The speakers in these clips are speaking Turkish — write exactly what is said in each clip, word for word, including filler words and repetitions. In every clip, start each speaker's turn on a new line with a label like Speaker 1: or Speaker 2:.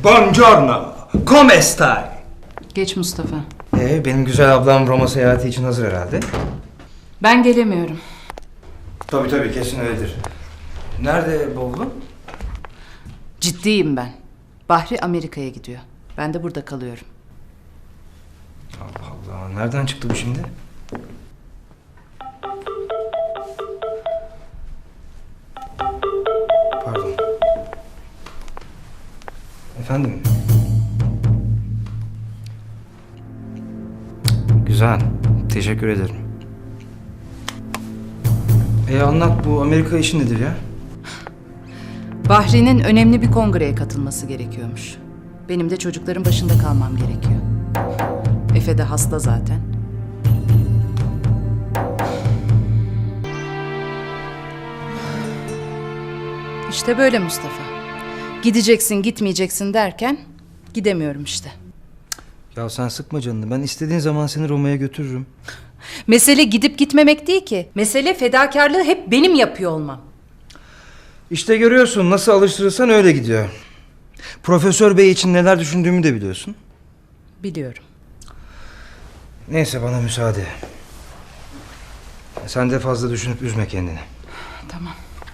Speaker 1: Buongiorno. Come stai?
Speaker 2: Geç Mustafa.
Speaker 1: Ee, benim güzel ablam Roma seyahati için hazır herhalde.
Speaker 2: Ben gelemiyorum.
Speaker 1: Tabii tabii, kesin öyledir. Nerede bavulun?
Speaker 2: Ciddiyim ben. Bahri Amerika'ya gidiyor. Ben de burada kalıyorum.
Speaker 1: Allah Allah, nereden çıktı bu şimdi? Pardon. Efendim? Güzel, teşekkür ederim. E anlat, bu Amerika işi nedir ya?
Speaker 2: Bahri'nin önemli bir kongreye katılması gerekiyormuş. Benim de çocukların başında kalmam gerekiyor. Efe de hasta zaten. İşte böyle Mustafa. Gideceksin, gitmeyeceksin derken gidemiyorum işte.
Speaker 1: Ya sen sıkma canını, ben istediğin zaman seni Roma'ya götürürüm.
Speaker 2: Mesele gidip gitmemek değil ki. Mesele fedakarlığı hep benim yapıyor olmam.
Speaker 1: İşte görüyorsun, nasıl alıştırırsan öyle gidiyor. Profesör Bey için neler düşündüğümü de biliyorsun.
Speaker 2: Biliyorum.
Speaker 1: Neyse, bana müsaade. Sen de fazla düşünüp üzme kendini.
Speaker 2: Tamam.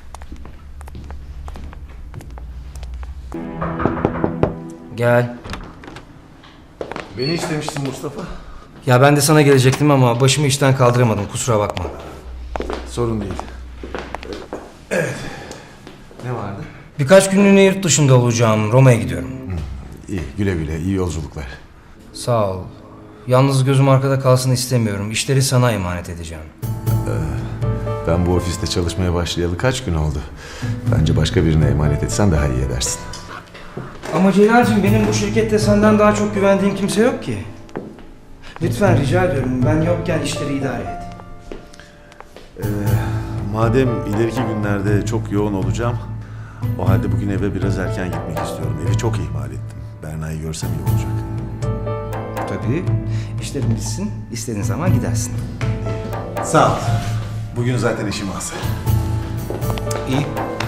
Speaker 1: Gel.
Speaker 3: Beni istemiştin Mustafa.
Speaker 1: Ya ben de sana gelecektim ama başımı işten kaldıramadım, kusura bakma.
Speaker 3: Sorun değil. Evet. Ne vardı?
Speaker 1: Birkaç günlüğüne yurt dışında olacağım, Roma'ya gidiyorum.
Speaker 3: İyi, güle güle, iyi yolculuklar.
Speaker 1: Sağ ol. Yalnız gözüm arkada kalsın istemiyorum. İşleri sana emanet edeceğim.
Speaker 3: Ben bu ofiste çalışmaya başlayalı kaç gün oldu? Bence başka birine emanet etsen daha iyi edersin.
Speaker 1: Ama Celal'cim, benim bu şirkette senden daha çok güvendiğim kimse yok ki. Lütfen rica ediyorum, ben yokken işleri idare et.
Speaker 3: Ee, madem ileriki günlerde çok yoğun olacağım, o halde bugün eve biraz erken gitmek istiyorum. Evi çok ihmal ettim. Berna'yı görsem iyi olacak.
Speaker 1: Tabii, işlerin bitsin, istediğin zaman gidersin.
Speaker 3: Sağ ol. Bugün zaten işim az.
Speaker 1: İyi.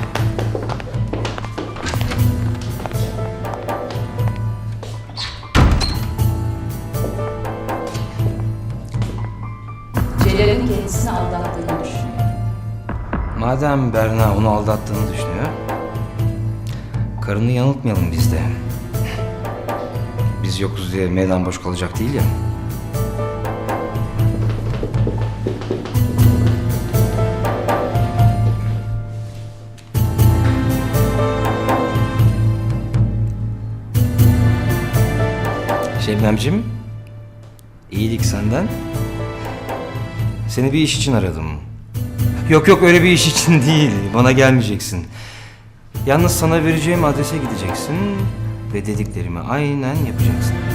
Speaker 2: Celal'in kendisini aldattığını düşünüyor.
Speaker 1: Madem Berna onu aldattığını düşünüyor, karını yanıltmayalım biz de. Biz yokuz diye meydan boş kalacak değil ya. Şebnemciğim, iyilik senden. Seni bir iş için aradım. Yok yok, öyle bir iş için değil. Bana gelmeyeceksin. Yalnız sana vereceğim adrese gideceksin ve dediklerimi aynen yapacaksın.